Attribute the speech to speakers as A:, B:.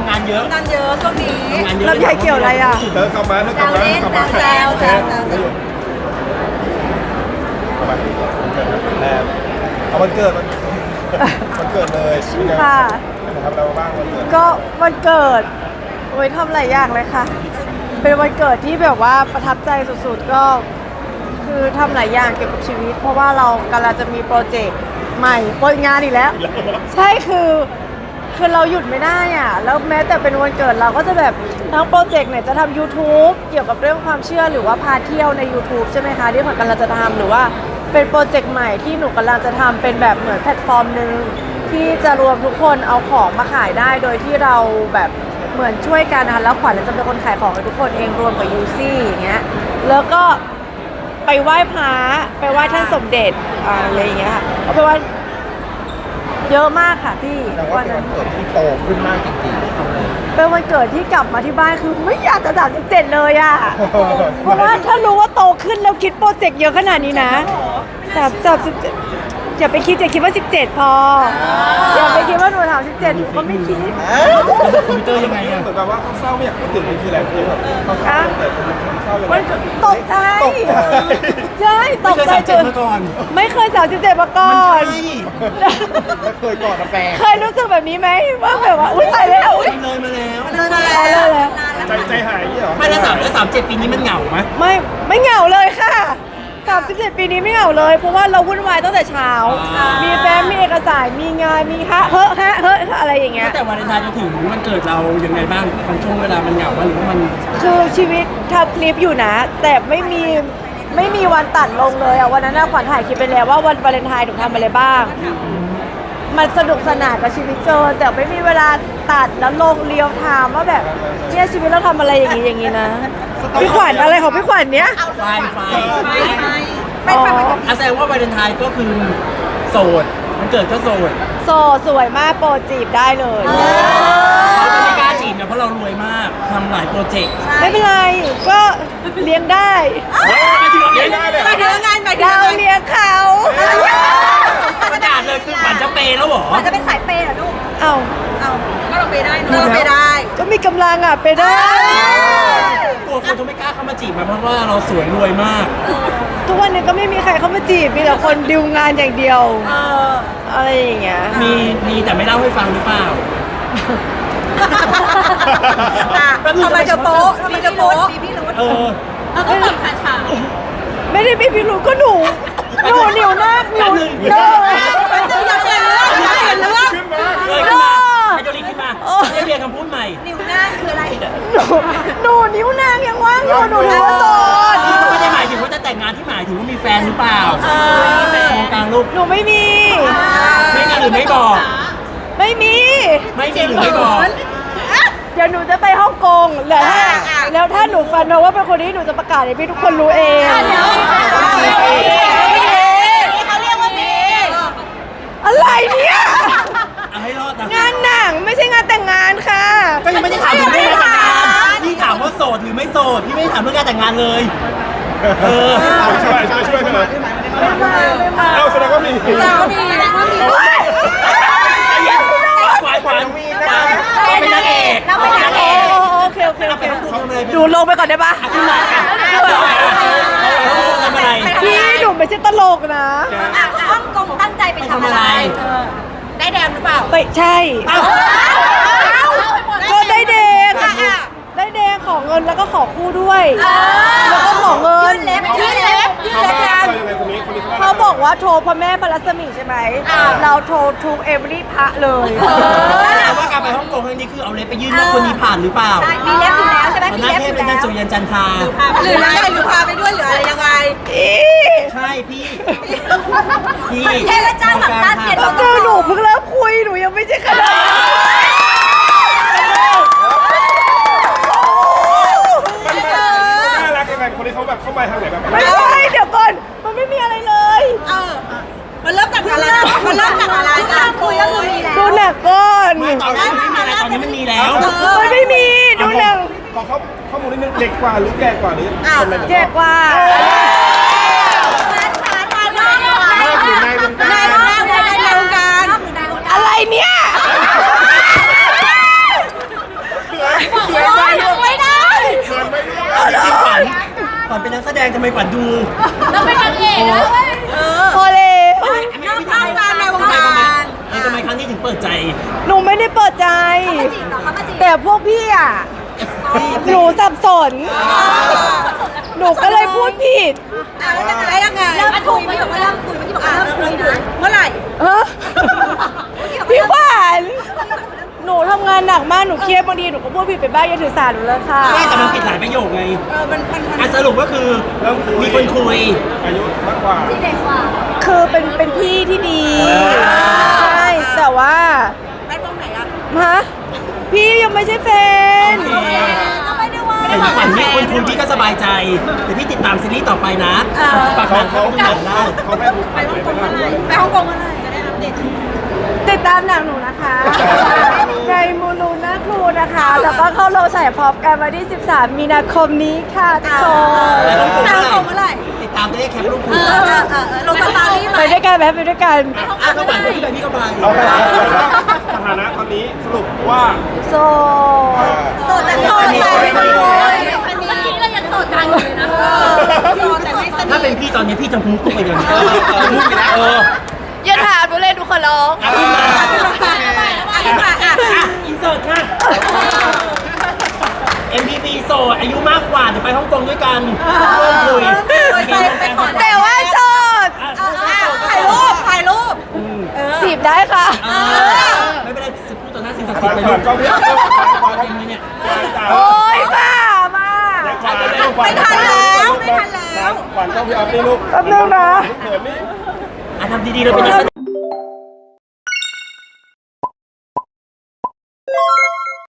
A: ำงานเยอะ
B: ช่วงนี้
C: ลำไยเกี่ยวอะไรอ่ะ
D: เธอกลับมา
B: แซว
D: เอาวันเกิดวันเกิดเลย
C: ค่ะ
D: ทำอะไรบ้างวันเกิด
C: ก็วันเกิดโอ้ยทำหลายอย่างเลยค่ะเป็นวันเกิดที่แบบว่าประทับใจสุดๆก็คือทำหลายอย่างเกี่ยวกับชีวิตเพราะว่าเรากำลังจะมีโปรเจกต์ใหม่โปรงานอีกแล้วใช่คือเราหยุดไม่ได้อ่ะแล้วแม้แต่เป็นวันเกิดเราก็จะแบบทั้งโปรเจกต์เนี่ยจะทำ YouTube เกี่ยวกับเรื่องความเชื่อหรือว่าพาเที่ยวใน YouTube ใช่ไหมคะที่ผมกำลังจะทำหรือว่าเป็นโปรเจกต์ใหม่ที่หนูกำลังจะทำเป็นแบบเหมือนแพลตฟอร์มหนึ่งที่จะรวมทุกคนเอาของมาขายได้โดยที่เราแบบเหมือนช่วยกันนะคะแล้วขวัญจะเป็นคนขายของให้ทุกคนเองรวมกับยูซี่อย่างเงี้ยแล้วก็ไปไหว้พระไปไหว้ท่านสมเด็จอะไรอย่างเงี้ยค่ะเอาไปไหว้เยอะมากค่ะพี่
D: วันนั้นเกิดที่โตขึ้นมากจริงๆ
C: เป็นวันเกิดที่กลับมาที่บ้านคือไม่อยากจะ37เลยอ่ะเพราะว่าถ้ารู้ว่าโตขึ้นแล้วคิดโปรเจกต์เยอะขนาดนี้นะ37อย่าไปคิดว่า17พออย่าไปคิดว่าหนูถาม17หนูก็ไม่คิด
A: คอมพิวเตอร์ยังไง
D: เหมือนแบบว่าเขาเศร้าไม่อยากพูดถึงมันคืออะไรคือแบบเขาเศร้าแต่เศร้ายังไง
C: ตกใจใช่ตกใจจนไม่เคย37มาก่อน
D: แล้วเคยกอดกาแฟ
C: เคยรู้สึกแบบนี้ไหมว่าแบบว่าอุ้ยตายแล้ว
A: เลยมาแล้ว
D: ใจหายเหรอ
A: ไม่แล้ว37 ปีนี้มันเหงาไหม
C: ไม่เหงาเลยค่ะ37 ปีนี้ไม่เหงาเลยเพราะว่าเราวุ่นวายตั้งแต่เช้ามีแฟ้มมีเอกสารมีงานมีเฮ้อะไรอย่างเงี้ย
A: แต่วันเลนไทน์จะถึงมันเกิดเรายังไงบ้างมันช่วงเวลามันเหงาหรือว่ามัน
C: คือชีวิตทำคลิปอยู่นะแต่ไม่มีวันตัดลงเลยอะวันนั้นขวัญถ่ายคลิปไปแล้วว่าวันวาเลนไทน์หนูทำอะไรบ้างมันสนุกสนานกับชีวิตเกินแต่ไม่มีเวลาตัดแล้วลงเรียวไทม์ว่าแบบเนี่ยชีวิตเราทำอะไรอย่างงี้นะพี่ขวัญอะไรของพี่ขวัญเนี้ย
A: ไม่แสดงว่าวาเลนไทน์ก็คือโสดมันเกิดก็โสด
C: สวยมากโปรจีบได้เลย
A: เขาจะไม่กล้าจีบนะเพราะเรารวยมากทำหลายโปรเจกต์
C: ไม่เป็นไรก็เลี้ยงได้
D: เลี้ยงได้เลย
B: ไปถึงงาน
C: เราเลี้ยงเขา
A: ประกาศเลยคือฝันจะเปย์แล้วหรอ
B: มันจะเป็นสายเปย์เหรอลูก
C: เอา
B: ก็เราเปย์ได้เราเปย์ได้
C: ก็มีกำลังอ่ะเปย์ได้
A: กลัวคนจะไม่กล้าเข้ามาจีบมาเพราะว่าเราสวยรวยมาก
C: ทุกวันนี้ก็ไม่มีใครเข้ามาจีบมีแต่คนดิวงานอย่างเดียวอะไรอย่างเงี้ย
A: มีแต่ไม่เล่าให้ฟังหรือเปล่า
B: ทำไมจะโป๊ะมีพี่รุ้แล้วก็แบบขาชา
C: ไม่ได้พี่รุ้ก็หนูเหนียวมากหนู
B: อย่าเปลี่ยนเรื่อง
A: ขึ้นมาให้โจลี่ขึ้นมาให้เรียนคำพูดใหม่
B: นิ้วหน้าคืออะไร
C: หนูนิ้วนางยังว่างอยู่หนูโสด
A: ไม่ได้หมายถึงว่าจะแต่งงานที่หมายถึงว่ามีแฟนหรือเปล่าโครงการลูก
C: หนูไม่มี
A: หรือไม่บอก
C: ไม่มี
A: หรือไม่บอก
C: เดี๋ยวหนูจะไปฮ่องกงแล้วถ้าหนูฟันมาว่าเป็นคนนี้หนูจะประกาศให้พี่ทุกคนรู้เอง
B: เขาเรียกว่ามี
C: อะไรเนี่ย
A: ให้รอดนะ
C: งานหนังไม่ใช่งานแต่งงานค่ะ
A: ก็ยังไม่ได้ถามถึงเรื่องการแต่งงานพี่ถามว่าโสดหรือไม่โสดพี่ไม่ได้ถามเรื่องการแต่งงานเลย
D: ช่วยกันเลยเอาแสดงว่ามี
A: ขวัญเป็นนางเอก
C: โอเคดูลงไปก่อนได้ปะ
A: ขึ้นมาทำอะไร
C: พี่หนูไม่ใช่ตลกนะ
B: ฮ่องกงตั้งใจไปทำอะไรได้แดงหรือเปล่า
C: ไม่ใช่ก็ได้แดงขอเงินแล้วก็ขอคู่ด้วยแล้วก็ขอเงิน
B: ยื่นเล็บ
C: เขาบอกว่าโทรพระแม่พระรัศมีใช่ไหมเราโทรทุกเอเวอรี่พระเลย
A: แต่ว่าการไปฮ่องกงครั้งนี้คือเอาเล็บไปยื่นว่าคนนี้ผ่านหรือเปล่า
B: มีเล็บอยู่แล้วใช่ไหม
A: มีเล็บเป็นนางสุริยันจันทรา
B: หรือยังไงหรือพาไปด้วยหรืออะไรยังไง
A: ใช่พี่
B: เทเลจ้าหลังตาเสียด
C: เจอหนูเพิ่งเริ่มคุยหนูยังไม่ใช่ขนาด
D: คนที่เขาแบบเข้ามาทางไหนแบบ
C: ไม่ใช่เดี๋ยวก่อนมันไม่มีอะไรเลย
B: มันเริ่มจากอะไรการคุยก็คือมีแล้ว
C: ดูหนักก่อน
A: ตอนนี้ไม่มีอะไรตอนนี้มันมีแล้ว
C: มันไม่มีดูหนัก
D: ขอข้อมูลนิดนึงเด็กกว่าหรือแก่กว่าหรือ
C: แก่กว่าอะไรเนี่ย
A: ดงทำไมขวัญดู
B: เราเป็นนางเอกแล้วเว้ย
C: พอแล้ว
B: นอกงานในวงการ
A: ทำไมครั้งนี้ถึงเปิดใจ
C: หนูไม่ได้เปิดใจ
B: จีบเหรอคะมาจีบ
C: แต่พวกพี่อ่ะ หนูสับสน หนูก็เลยพูดผิด
B: แล้วยังไงเริ่มคุยไม่บอกว่าเริ่มคุยเมื่อกี้บอกว่าเริ่มคุยนะเมื่อไหร่
C: เออพี่ขวัญหนูทำงานหนักมาก หนูเครียดบางทีหนูก็พูดผิดไปบ้างอย่าถือสาหนูเลยค่ะ
A: ไม่แต่มันผิดหลายประโยคไง
B: มัน
A: สรุปก็คือ
D: เริ่มคุย
A: มีคนคุย
D: อายุมากกว่า
B: เด็กกว่า
C: คือเป็นพี่ที่ดี ใช่ แต่ว่า
B: แม่ตรงไหนอะ
C: ฮะพี่ยังไม่ใช่แฟน
B: ก็ไม่ได้ว่า
A: แต่ขวัญมีคนคุยพี่ก็สบายใจแต่พี่ติดตามซีรีส์ต่อไปนะฝาก
D: เขา
A: ร้าน
D: เขา
A: เขาดูหนังได้
D: เขาแม่บุกไปเลยนะ
B: ไปฮ่องกงเมื่อไหร่จะได้อัปเดต
C: ติดตามหนังหนูนะคะ ในมูลูน่าครูนะคะ แล้วก็เข้าโรงฉายพร้อมกันวันที่ 13 มีนาคมนี้ค่ะทุกคน
A: แล้วฮ่องกง
B: ไป
A: เมื่อ
B: ฮ่อง
A: ไหร่
B: กงเมื่อไหร่
A: ติดตามจะได้แคปรูปคุณ
B: ลงสตาร์ทไหม
C: ไปด้วยกันไหมไปด้วยกัน
A: ก็หวานพี่ไปพี่ก็ไป
D: เอาไปสถานะตอนนี้สรุปว่า
C: โซ
B: โสดแต่โสดแต่ไม่สนิทเมื่อกี้เรายังโสดกันอยู่เลยนะโสดแต่ไม่สนิท
A: ถ้าเป็นพี่ตอนนี้พี่จะพุ่งตุ้งไปเลย
C: อย่าถามหนูเลยทุกคนร้อง
A: ขึ้นมา
B: อ่ะ
A: อินเสิร์ตค่ะ MPP โสดอายุมากกว่าเดี๋ยวไปฮ่องกงด้วยกันเริ่มคุย
C: แต่ว่าโสด
B: ถ่ายรูป
C: จีบได้ค่ะ
A: ไม่เป็นไรพูดต่อหน้าสิ่งศักดิ์
D: ข
A: สิท
D: วัญ
A: ธิ์ไป
D: ขวัญก็พี่เอาขวัญ
A: จริงไหมเนี่ย
C: โอ๊ยบ้ามาก
B: ไม่ทันแล้วไม่ทันแล้ว
D: ขวัญก็พี่เอานี่ลูก
C: แป๊บนึงนะ
D: เขินนี่
A: ทำดีๆเราเป็นนักแสดง